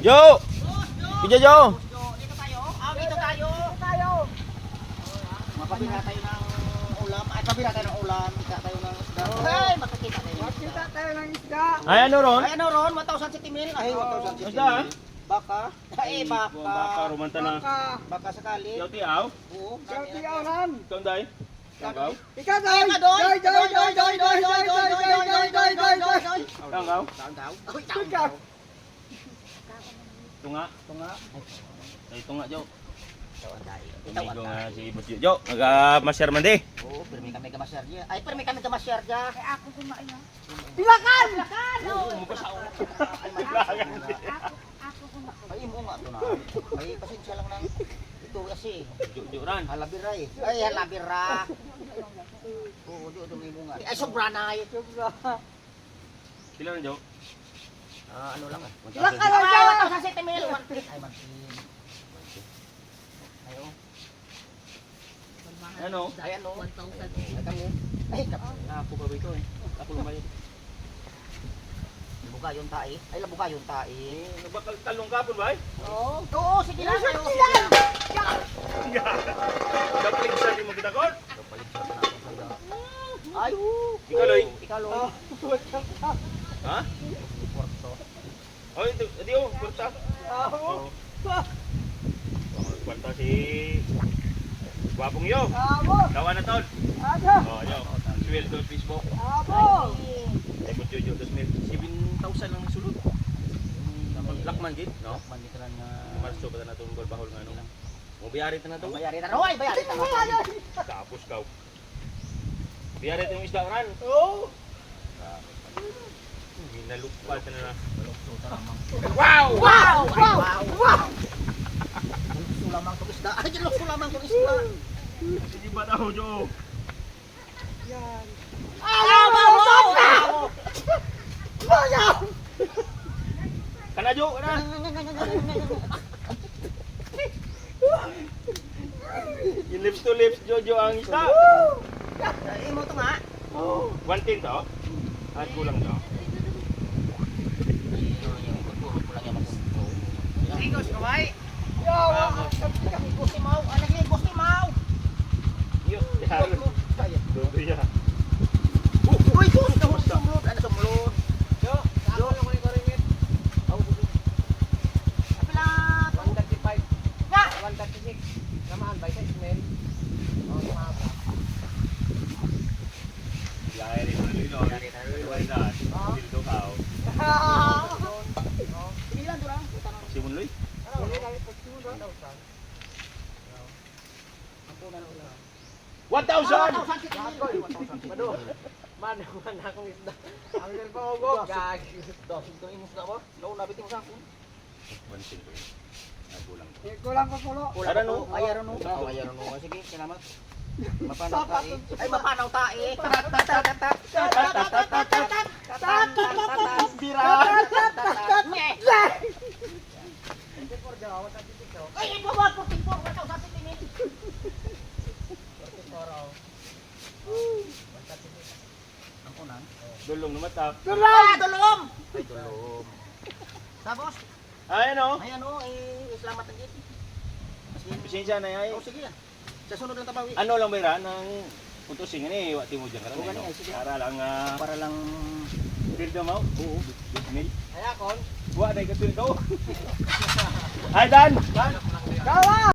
Jo! Kija Jo! Dito tayo. Dito tayo. Mapabila tayo ng ulam. Ay, pabila tayo ng ulam. Kita tayo ng isda. Ay, makakita tayo ng isda. Makita tayo ng isda. Ay, ano ron? Ay, ano ron? 1,000 mil. Ay, 1,000 Isda, ha? Baka. Ay, Baka, baka. rumanta na. Baka sakali. Yaw tiaw? Oo. Ikaw nan. Ikaw, day? Ikaw? Ikaw doy. Doy. Ikaw? Ikaw. Tunga? Tunga. Ay, tunga, Jo. Tawan tayo. Amigo nga si Boss Jo. Nag-masyar man di. Oo, pirmi kami gamasyar niya. Ay, pirmi kami gamasyar niya. Ay, ako kumain na. Pilakan. Ay, mo nga ito na. Ay, pasensya lang ng ito kasi. Jo ran. Halabira eh. Ay, halabira. Oo, di may bunga. Ay, sobra na eh. Sila na, Jo? Ano lang ah. Pilakan lang siya. 1,000 mil. Ay, mansin. Ayo. Ano? Ay, ano? 1,000. Ay, kami. Ay, Ako pa ba ito eh? Ako lumayo. labuka yung tae. Ay, labuka yung tae. Nagbakal talong kapon ba eh? Oo. Oo, sige lang. Sige lang. Kaplig sa di mo kita kon? Ay, Ikaw, Loy? ikaw, Loy. Ha? Porto. Oh, ito, oh, kurta. Oo. Kwarta si Gwapong Yo. Kawan na taon. Oh, yo. Sweldo Facebook. Ay mo jojo 7,000 lang sulod. Lakman gid, no? Mandito lang nga. Marso pa na tong bahol nga no. Mo biyari ta na to. Bayari ta. Hoy, bayari ta. Tapos kaw. Biyari ta yung isda ran. Oo. Ginalukpal ta na. Wow! Wow! Wow! Wow! Sulamang tong isda. Ay, sulamang tong isda. Sige ba daw, Jo? Yan. Kana Jo, kana. Yung lips to lips, Jojo ang isda. Ay, mo to nga. Oh. 110 to? At kulang to. Igos, kaway. Gusti mau, anak ni gusti mau. Yo, yaro. Dodo ya. Uy, sumlot, ano sumlot? Yo, ako lang ko ni ringit. Apila. 135. Nga. 136. Namaan ba sa smell? Oh, mahaba. Yari rin na lilo. Yari na lilo. Wala. Dildo kao. Bilang tu lang. Simon Loy. Dili kami pagsudo daw sa. 1,000! Mado. Man akong isda. Ang pa mo gag. Dos, ito imus na ba? Daw nabit mo sa ako. 110 ko yun. At kulang to. Kulang ko pulo. Ayaro no. Ayaro no. Ayaro no. Sige, salamat. Mapanaw tae. Ay, mapanaw tae. Bira. Ay, ito ba? 44. 1,000 mil. Ang unang. Dulong na mata. Dulom! Ay, dulom. Tapos, Ay ano? ay ano, salamat ang git. Pasensya na ay. Oh, sige yan. Sa sunod ng tabawi. Ano lang bayra ng putusin ni wati mo diyan karon. Oo, ganyan, sige. Para lang Para lang... dildo mo. Oo. Mil. Ay akon. Wa dai ka dildo. Ay Dan. Dan. Kawa!